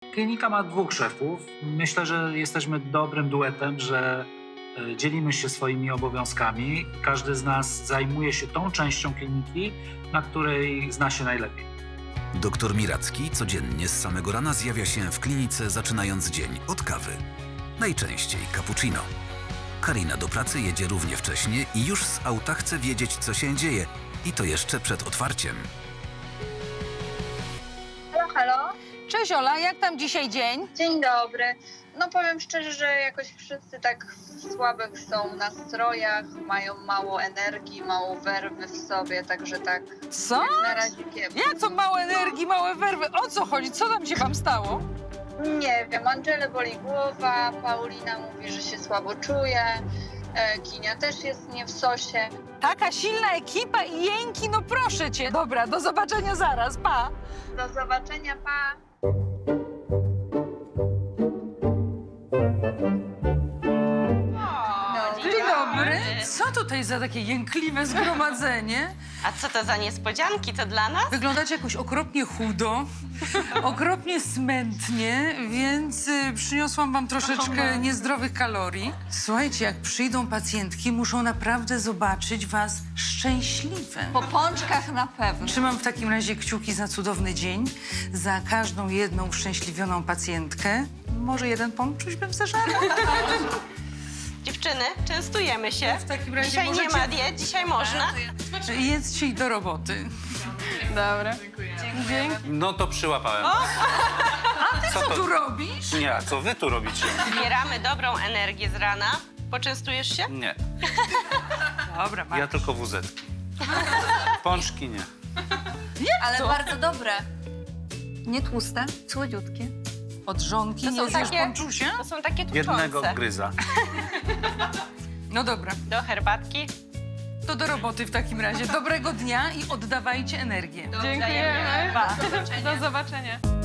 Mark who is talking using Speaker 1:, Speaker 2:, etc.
Speaker 1: Klinika ma 2 szefów. Myślę, że jesteśmy dobrym duetem, że dzielimy się swoimi obowiązkami. Każdy z nas zajmuje się tą częścią kliniki, na której zna się najlepiej.
Speaker 2: Doktor Miracki codziennie z samego rana zjawia się w klinice, zaczynając dzień od kawy. Najczęściej cappuccino. Karina do pracy jedzie równie wcześnie i już z auta chce wiedzieć, co się dzieje. I to jeszcze przed otwarciem.
Speaker 3: Halo, halo.
Speaker 4: Cześć Ola, jak tam dzisiaj dzień?
Speaker 3: Dzień dobry. No powiem szczerze, że jakoś wszyscy tak w słabych są nastrojach, mają mało energii, mało werwy w sobie, także tak
Speaker 4: Co?
Speaker 3: jak na razie kiepsko.
Speaker 4: Jak to mało energii, małe werwy? O co chodzi? Co tam się wam stało?
Speaker 3: Nie wiem, Angelę boli głowa, Paulina mówi, że się słabo czuje, Kinia też jest nie w sosie.
Speaker 4: Taka silna ekipa i jęki, no proszę cię. Dobra, do zobaczenia zaraz, pa.
Speaker 3: Do zobaczenia, pa!
Speaker 4: Dzień dobry. Co tutaj za takie jękliwe zgromadzenie?
Speaker 5: A co to za niespodzianki? To dla nas?
Speaker 4: Wyglądacie jakoś okropnie chudo, okropnie smętnie, więc przyniosłam wam troszeczkę niezdrowych kalorii. Słuchajcie, jak przyjdą pacjentki, muszą naprawdę zobaczyć was szczęśliwe.
Speaker 6: Po pączkach na pewno.
Speaker 4: Trzymam w takim razie kciuki za cudowny dzień, za każdą jedną uszczęśliwioną pacjentkę. Może jeden pączuś bym zażarła?
Speaker 5: Dziewczyny, częstujemy się.
Speaker 4: W takim razie
Speaker 5: Dzisiaj nie
Speaker 4: możecie-
Speaker 5: ma diet, dzisiaj można.
Speaker 4: Jedzcie i do roboty.
Speaker 6: Dobra.
Speaker 7: No to przyłapałem.
Speaker 4: Co tu robisz?
Speaker 7: Nie, a co wy tu robicie?
Speaker 5: Zbieramy dobrą energię z rana. Poczęstujesz się?
Speaker 7: Nie,
Speaker 4: Dobra,
Speaker 7: ja tylko wuzetki. Pączki nie.
Speaker 6: Ale bardzo dobre. Nie tłuste, słodziutkie.
Speaker 4: Od żonki
Speaker 5: To są
Speaker 4: nie zjesz
Speaker 5: takie-
Speaker 4: pączusia?
Speaker 5: To są takie
Speaker 7: Jednego
Speaker 5: tuczące.
Speaker 7: gryza.
Speaker 4: No dobra,
Speaker 5: Do herbatki.
Speaker 4: to do roboty w takim razie. Dobrego dnia i oddawajcie energię.
Speaker 5: Dziękujemy.
Speaker 4: Pa.
Speaker 5: Do zobaczenia.